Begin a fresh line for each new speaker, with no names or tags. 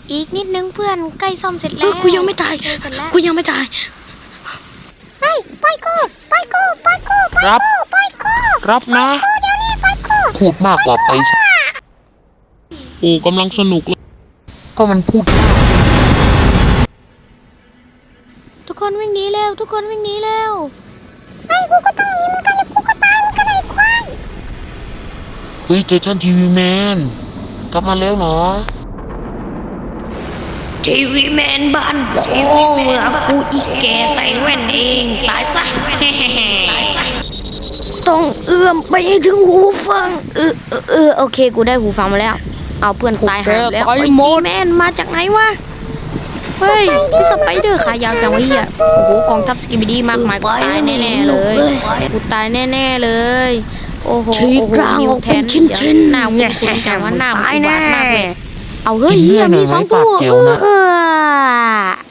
อีกนิดนึงเพื่อนใกล้ซ่อมเสร็จแล้วกูยังไม่ตายกูยังไม่ตายเฮ้ยปล่อยกู
รับนะ
เดี๋ยวนี้ปล่อยกู
พูดมากกว่าไปโอ้กำลังสนุกเลยก็มันพูดมาก
ทุกคนวิ่งหนีเร็วทุกคนวิ่งหนีเร็วไอ้กูก็ต้องหนีเหมือนกันแล้วกูก็ตายเหมือนกันไอ้ควาย
เฮ้ยเจสันทีวีแมนกลับมาแล้วเหรอ
ทีวีแมนบ้านโป่งเมื่อกูอีแกใส่แว่นเองตายซะต้องเอื้อมไปให้ถึงหูฟังโอเคกูได้หูฟังมาแล้วเอาเพื่อนตายหายแล้วไอ้ทีแมนมาจากไหนวะเฮ้ยพี่สไปเดอร์ขายาวจังวะเฮียโอ้โหกองทัพสกิบิดี้มากมายกูตายแน่ๆเลยกูตายแน่ๆเลยโอ้โหนิวแทนหน้าคุณจังว่าหน้ามันบาดมากเลยเอาเฮ้ยเฮียมี2 ตัว